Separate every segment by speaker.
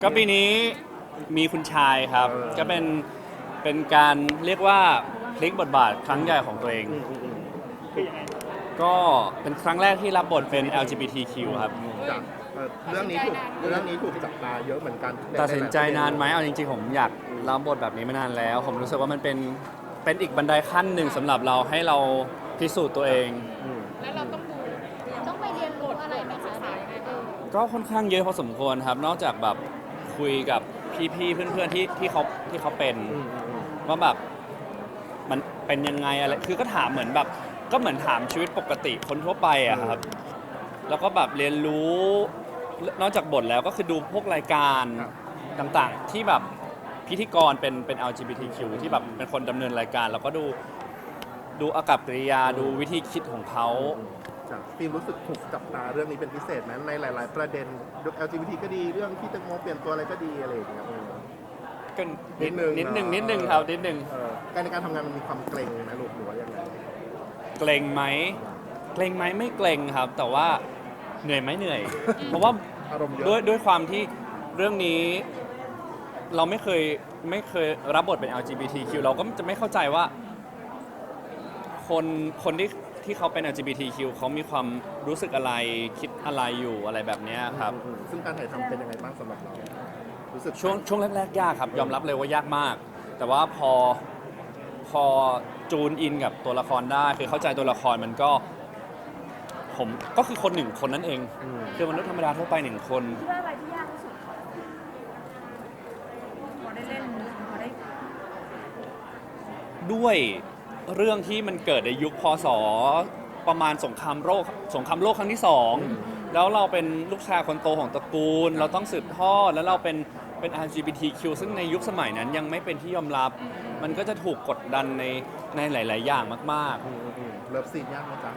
Speaker 1: ก็ปีนี้มีคุณชายครับ ก็เป็นการเรียกว่าพลิกบทบาทครั้งใหญ่ของตัวเอง ก็เป็นครั้งแรกที่รับบทเป็น LGBTQ ครับ
Speaker 2: จากเรื่องนี้ถูกจับตาเยอะเหมือนกัน
Speaker 1: ตัดสินใจนานไหมเอาจริงๆผมอยากรับบทแบบนี้มานานแล้ว ผมรู้สึกว่ามันเป็นอีกบันไดขั้นหนึ่งสำหรับเราให้เราพิสูจน์ตัวเอง
Speaker 3: แล้วเราต้องไปเรียนรู้อะไรไหมคะ
Speaker 1: ก็ค่อนข้างเยอะพอสมควรครับ นอกจากแบบคุยกับพี่ๆเพื่อนๆที่เขาเป็นว่าแบบมันเป็นยังไงอะไรคือก็ถามเหมือนแบบก็เหมือนถามชีวิตปกติคนทั่วไปอะครับแล้วก็แบบเรียนรู้นอกจากบทแล้วก็คือดูพวกรายการต่างๆที่แบบพิธีกรเป็น LGBTQ ที่แบบเป็นคนดำเนินรายการแล้วก็ดูอากัปกิริยาดูวิธีคิดของเขา
Speaker 2: ฟิล์มรู้สึกถูกจับตาเรื่องนี้เป็นพิเศษไหมในหลาย ๆ ประเด็น LGBT ก็ดีเรื่องที่แตงโมเปลี่ยนตัวอะไรก็ดีอะไรอย่างเงี้ย
Speaker 1: ก็นิดนึงครับนิดนึง
Speaker 2: การในการทำงานมันมีความเกรงนะลูกหรือว่ายังไง
Speaker 1: เกรงไหมไม่เกรงครับ แต่ว่าเหนื่อยไหมเหนื่อย เพราะว่า
Speaker 2: อารมณ์เยอะ
Speaker 1: ด้วยความที่เรื่องนี้เราไม่เคยรับบทเป็น LGBTQ เราก็จะไม่เข้าใจว่าคนที่เขาเป็น LGBTQ เขามีความรู้สึกอะไรคิดอะไรอยู่อะไรแบบนี้ครับ
Speaker 2: ซึ่งการถ่ายทำเป็นยังไงบ้างสำหรับเรารู้สึก
Speaker 1: ช่วงแรกๆยากครับยอมรับเลยว่ายากมาก แต่ว่าพอจูนอินกับตัวละครได้คือเข้าใจตัวละครมันก็ผมก็คือคนหนึ่งคนนั่นเองคือมนุษย์ธรรมดาทั่วไปหนึ่งคน
Speaker 3: คิดว่าอะไรที่ยากที่สุดพอได้เล่นพอได้
Speaker 1: ด้วยเรื่องที่มันเกิดในยุคพศประมาณสงครามโลกครั้งที่2แล้วเราเป็นลูกชายคนโตของตระกูล เราต้องสืบทอดแล้วเราเป็น LGBTQ ซึ่งในยุคสมัยนั้นยังไม่เป็นที่ยอมรับ มันก็จะถูกกดดันในหลาย ๆ อย่างมาก
Speaker 2: เลิฟซีนยากไหมจ๊ะ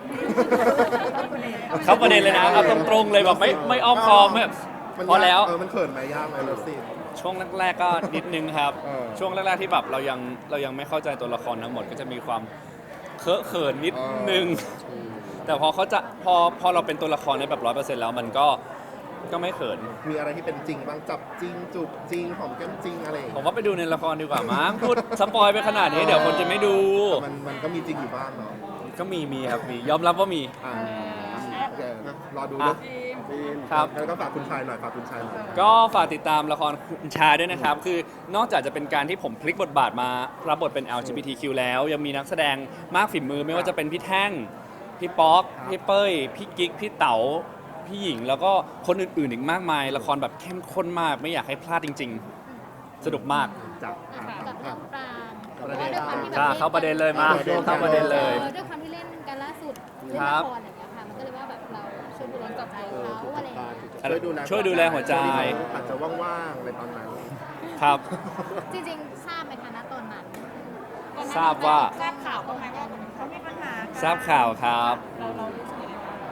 Speaker 1: ๆ เข้าประเด็นเลยนะครับตรงๆเลยแบบไม่อ้อมค้อมแบบพอแล้ว
Speaker 2: มันเขินไหมยากไหมเลิฟซีน
Speaker 1: ช่วงแรกๆก็นิดนึงครับ
Speaker 2: เออ
Speaker 1: ช่วงแรกๆที่แบบเรายังไม่เข้าใจตัวละครทั้งหมดก็จะมีความเคอะเขินนิดนึง แต่พอเราเป็นตัวละครในแบบ100%แล้วมันก็ไม่เขิน
Speaker 2: มีอะไรที่เป็นจริงบ้างจับจริงจูบจริงหอมแก้มจริงอะไรอย่าง
Speaker 1: ผ
Speaker 2: เงี้ย
Speaker 1: มว่าไปดูในละครดีกว่ามั้งพูดสปอยไปขนาดนี้เดี๋ยวคนจะไม่ดู
Speaker 2: มันก็มีจริงอยู่บ้างเนาะ
Speaker 1: ก็มีครับมียอมรับว่ามี
Speaker 2: โอเครอดูเรื่อง
Speaker 1: ครับ
Speaker 2: แล้วก็ฝากคุณชายหน่อยฝากคุณชายหน่อย
Speaker 1: ก็ฝากติดตามละครคุณชายด้วยนะครับ คือนอกจากจะเป็นการที่ผมพลิกบทบาทมารับบทเป็น LGBTQ แล้วยังมีนักแสดงมากฝีมือไม่ว่าจะเป็นพี่แท่ง พี่ป๊อกพี่เป้ย พี่กิ๊ก พี่เต๋า พี่หญิง แล้วก็คนอื่นๆอีกมากมาย ละครแบบเข้มข้นมาก ไม่อยากให้พลาดจริงๆ สนุกมาก
Speaker 2: จับ
Speaker 3: กับน้องปราง
Speaker 2: ประเด็น
Speaker 3: ด้วยความที่แบบ
Speaker 1: เข้าประเด็นเลยมาเข้าประเด็นเลย
Speaker 3: ด้วยความที่เล่นกันล่าสุดเล่น
Speaker 1: ครั
Speaker 3: ละ
Speaker 1: บ
Speaker 3: ครอย่างเงี้ยค่ะมันก็เลยว่าแบบเราช่วยดูแลกับใจเขาอะไรอย่างเงี้ย
Speaker 1: ช่วยดูแลหัวใจ
Speaker 2: อาจจะว่างๆในตอนนั้น
Speaker 1: ครับ
Speaker 3: จริงๆทราบไหมคะณตอนนั้น
Speaker 1: ทราบว่า
Speaker 3: ทราบข่าวบ้างไหมว่าเขามีปัญหากัน
Speaker 1: ทราบข่าวครับ
Speaker 3: เรารู้สึกยังไงบ้าง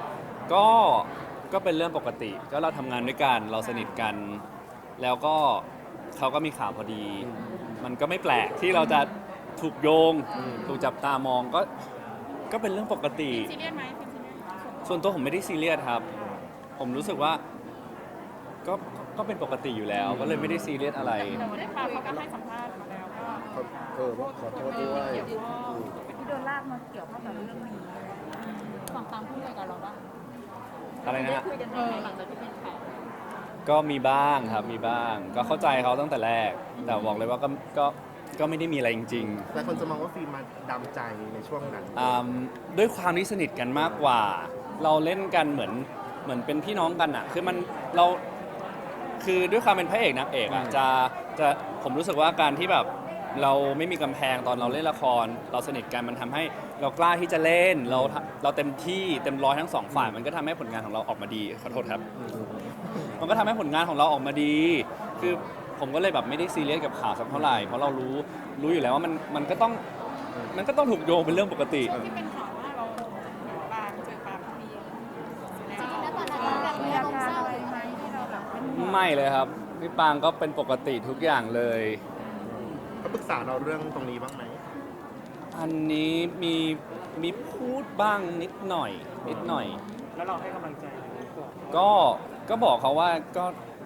Speaker 1: ก็เป็นเรื่องปกติ ก็เราทำงานด้วยกัน เราสนิทกัน แล้วก็เขาก็มีข่าวพอดี มันก็ไม่แปลกที่เราจะถูกโยง ถูกจับตามองก็เป็นเรื่องปกติ
Speaker 3: ซีเรียสไหมเป็นซีเรียส
Speaker 1: ส่วนตัวผมไม่ได้ซีเรียสครับ ผมรู้สึกว่าก็เป็นปกติอยู่แล้ว ก็เลยไม่ได้ซีเรียสอะไร
Speaker 3: แต่ว่าได้ข่าวเขาก็ให้สัมภาษณ์มาแล้วก็
Speaker 2: ขอโทษด้วย
Speaker 3: ที่โดนลากมาเกี่ยวข้องกับเรื่องนี้ฝั่งตามพูดอะไรกับเราบ้าง
Speaker 1: อะไรนะฮะ
Speaker 3: คุยกันหลังจากที่เป็นข่าว
Speaker 1: ก็มีบ้างครับ มีบ้าง ก็เข้าใจเขาตั้งแต่แรก แต่บอกเลยว่าก็ไม่ได้มีอะไรจริง
Speaker 2: แต่คนจะมองว่าฟิล์มมาดำใจในช่วงนั้น
Speaker 1: ๆด้วยความที่สนิทกันมากกว่า เราเล่นกันเหมือนเป็นพี่น้องกันอะคือเราคือด้วยความเป็นพระเอกนางเอกอะจะผมรู้สึกว่าการที่แบบเราไม่มีกำแพงตอนเราเล่นละคร เราสนิทกันมันทำให้เรากล้าที่จะเล่นเราเต็มที่เต็มร้อยทั้งสองฝ่ายมันก็ทำให้ผลงานของเราออกมาดีขอโทษครับ มันก็ทำให้ผลงานของเราออกมาดี คือผมก็เลยแบบไม่ได้ซีเรียสกับข่าวสักเท่าไหร่ เพราะเรารู้อยู่แล้วว่ามันก็ต้องถูกโยงเป็นเรื่องปกติ
Speaker 3: ที่เป็นข่าวว่าเราปางเจอปางมี
Speaker 4: จริงๆแล้วตอนนั้นเราแบบมีอารมณ์เศร้าหรือไหมที่เราแบบเป็นห่วง
Speaker 1: ไม่เลยครับพี่ปางก็เป็นปกติทุกอย่างเลย
Speaker 2: เขาปรึกษาเราเรื่องตรงนี้บ้างไหม
Speaker 1: อันนี้มีพูดบ้างนิดหน่อย
Speaker 5: แล้วเราให้กำลังใจเขาก่อน
Speaker 1: ก็บอกเขาว่าก็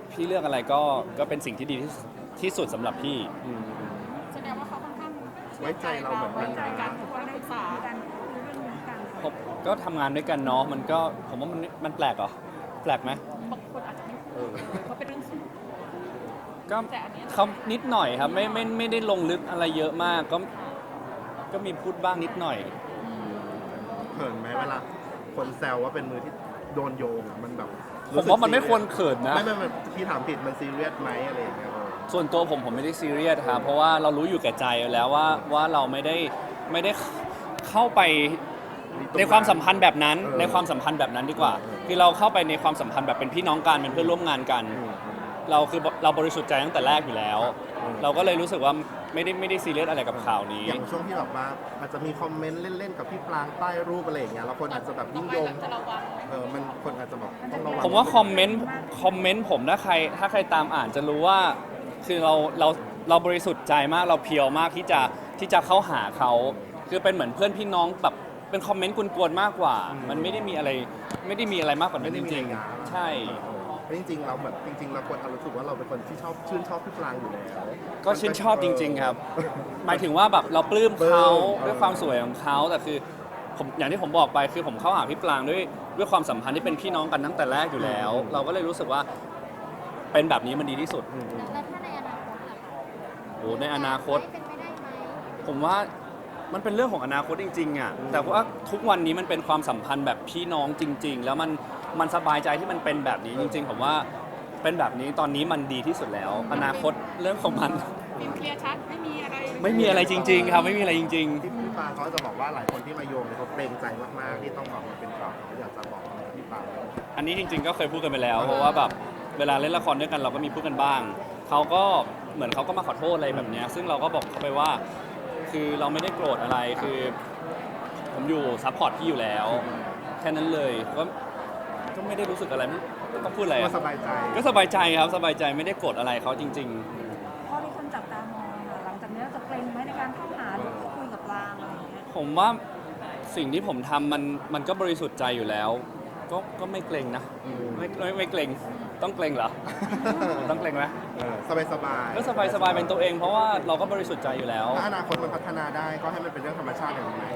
Speaker 1: พี่เลือกอะไรก็เป็นสิ่งที่ดีที่สุดสำหรับพี่
Speaker 3: แสดงว่าเขาค่อนข้าง
Speaker 2: ไว้ใจเราเหมือนกัน
Speaker 3: ใจกั
Speaker 2: นะ
Speaker 3: นทุกคนได้ปรึกษากันคุยเรื่องนี้กัน
Speaker 1: ผมก็ทำงานด้วยกันเนาะมันก็ผมว่ามันแปลกเหรอแปลกไหม
Speaker 3: บางคนอาจจะไม่พูดเลยเพราะเป็นเรื่องส่วนตัว
Speaker 1: ก็
Speaker 3: แต่อันเนี้ย
Speaker 1: เขานิดหน่อยครับไม่ได้ลงลึกอะไรเยอะมากก็มีพูดบ้างนิดหน่อย
Speaker 2: เขินไหมเวลาคนแซวว่าเป็นมือที่โดนโยงอะมันแบบ
Speaker 1: ผมว่ามันไม่ควรเขินนะ
Speaker 2: ไม่พี่ถามผิดมันซีเรียสไหมอะไรอย่างเงี้ย
Speaker 1: ส่วนตัวผมไม่ได้ซีเรียสครับเพราะว่าเรารู้อยู่แก่ใจแล้วว่าเราไม่ได้เข้าไปในความสัมพันธ์แบบนั้นในความสัมพันธ์แบบนั้นดีกว่า คือเราเข้าไปในความสัมพันธ์แบบเป็นพี่น้องกันเป็นเพื่อนร่วมงานกัน เราบริสุทธิ์ใจตั้งแต่แรกอยู่แล้ว เราก็เลยรู้สึกว่าไม่ได้ซีเรียสอะไรกับข่าวนี้
Speaker 2: อย่างช่วงที่แบบว่าอาจจะมีคอมเมนต์เล่นๆกับพี่ปรางใต้รูปอะไรอย่างเงี้ยแล้วคนอาจจะแบบยิ่งโยง
Speaker 3: จะระวังไหม
Speaker 2: มันคนอาจจะแบบต้องระวัง
Speaker 1: ผมว่าคอมเมนต์ผมถ้าใครตามอ่านจะรู้ว่าคือเราบริสุทธิ์ใจมากเราเพียวมากที่จะเข้าหาเขาคือเป็นเหมือนเพื่อนพี่น้องแบบเป็นคอมเมนต์กวนๆมากกว่า มันไม่ได้มีอะไรมากกว่านั้นจริงๆใช่
Speaker 2: จริงๆเราแบบจริงๆเราควรรู้สึกว่าเราเป็นคนที่ชื่นชอบพี่ปรางอยู่แล้ว
Speaker 1: ก็ชื่นชอบจริง ๆ ครับ หมายถึงว่าแบบเราปลื้มเขาด้วยความสวยของเขาแต่คือผมอย่างที่ผมบอกไปคือผมเข้าหาพี่ปรางด้วยความสัมพันธ์ที่เป็นพี่น้องกันตั้งแต่แรกอยู่แล้ว เราก็เลยรู้สึกว่าเป็นแบบนี้มันดีที่สุด
Speaker 4: แล้วถ้าในอนาคตล่ะคะ
Speaker 1: โอ้ในอนาคต
Speaker 4: เป็นไปได้ไหม
Speaker 1: ผมว่ามันเป็นเรื่องของอนาคตจริงๆอ่ะแต่ว่าทุกวันนี้มันเป็นความสัมพันธ์แบบพี่น้องจริง ๆ แล้วมันสบายใจที่มันเป็นแบบนี้จริง ๆ ผมว่าเป็นแบบนี้ตอนนี้มันดีที่สุดแล้ว อนาคตเรื่องของมัน
Speaker 3: ฟิล์มเคลียร์ชัดไม่มีอะไร
Speaker 1: ไม่มีอะไรจริง ๆ ครับไม่มีอะไรจริง
Speaker 2: ที่พี่ปรางเขาจะบอกว่าหลายคนที่มาโยงเนี่ยเขาเกรงใจมากๆที่ต้องออกมาเป็นข่าวเขาอยากจะบอกพี่ปราง
Speaker 1: ๆ อันนี้จริง ๆ ก็เคยพูดกันไปแล้วเพราะว่าแบบเวลาเล่นละครด้วยกันเราก็มีพูดกันบ้างเขาก็เหมือนเขาก็มาขอโทษอะไรแบบเนี้ยซึ่งเราก็บอกเขาไปว่าคือเราไม่ได้โกรธอะไรคือ ผมอยู่ซัพพอร์ตพี่อยู่แล้วแค่นั้นเลยก็ไม่ได้รู้สึกอะไรไม่ต้องพูดอะไร
Speaker 2: ก็
Speaker 1: อะ
Speaker 2: สบายใจ
Speaker 1: ก็สบายใจครับสบายใจไม่ได้โกรธอะไรเขาจริง
Speaker 3: พอมีคนจับตามองอะหลังจากนี้เราจะเกรงไหมในการเข้าหาหรือคุยกับปรางอะไรอย่างเงี้ย
Speaker 1: ๆ ผมว่าสิ่งที่ผมทำมันก็บริสุทธิ์ใจอยู่แล้ว ก็ไม่เกรงนะไม่เกรงต้องเกรงเหรอ ต้องเกรงไหม
Speaker 2: สบายสบาย
Speaker 1: ก็สบายเป็นตัวเองเพราะว่าเราก็บริสุทธิ์ใจอยู่แล้ว
Speaker 2: ถ้าอนาคตมันพัฒนาได้ก็ให้มันเป็นเรื่องธรรมชาติอย่างนี้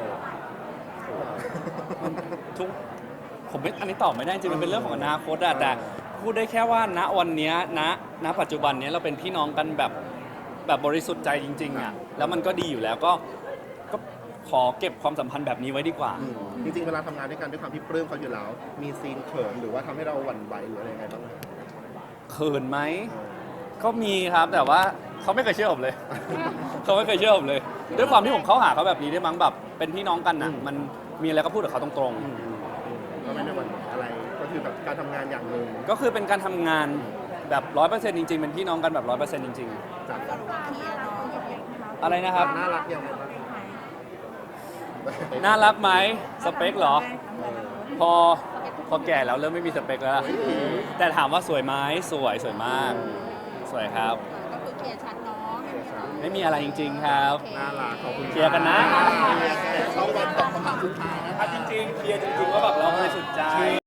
Speaker 1: ทุกผมไม่อันนี้ตอบไม่ได้จริงมันเป็นเรื่องของอนาคตอะแต่พูดได้แค่ว่าณวันเนี้ยณปัจจุบันเนี้ยเราเป็นพี่น้องกันแบบบริสุทธิ์ใจจริงๆอะแล้วมันก็ดีอยู่แล้วก็ขอเก็บความสัมพันธ์แบบนี้ไว้ดีกว่า
Speaker 2: จริงๆเวลาทำงานด้วยกันด้วยความที่ปลื้มเขาอยู่แล้ว มีซีนเขินหรือว่าทำให้เราหวั่นไหวหรืออะไรยังไงบ้างไหม
Speaker 1: เขินไหมก็มีครับแต่ว่าเขาไม่เคยเชื่อผมเลย เขาไม่เคยเชื่อผมเลย ด้วยความที่ผมเข้าหาเขาแบบนี้ด้วยมั้งแบบเป็นพี่น้องกันอะมันมีอะไรก็พูดกับเขาตรง
Speaker 2: ก็ไม่ได้หวั่นไหวอะไรก็คือแบบการทำงานอย่างหนึ่ง
Speaker 1: ๆก็คือเป็นการทำงานแบบ 100% จริง ๆ เป็นพี่น้องกันแบบ 100% จริง
Speaker 2: จาก
Speaker 1: ๆ อะไรนะครับ
Speaker 2: น่ารักยังไงบ้าง
Speaker 1: น่ารักไหมสเปคเหรอ พอแก่แล้วเริ่มไม่มีสเปคแล้ว แต่ถามว่าสวยไหมสวยมาก สวยครับ
Speaker 4: ก็คือเคลียร์ชัดเนาะไม่มีอะไร
Speaker 1: ไม่มีอะไรจริง ๆ ครับ
Speaker 2: น่ารักขอบคุณ
Speaker 1: เคลียร์กันนะ
Speaker 2: เขาวันตอบคำถามสุดท้ายนะ
Speaker 1: จริงๆเคลียร์จริงๆว่าแบบเราบริสุทธิ์ใจ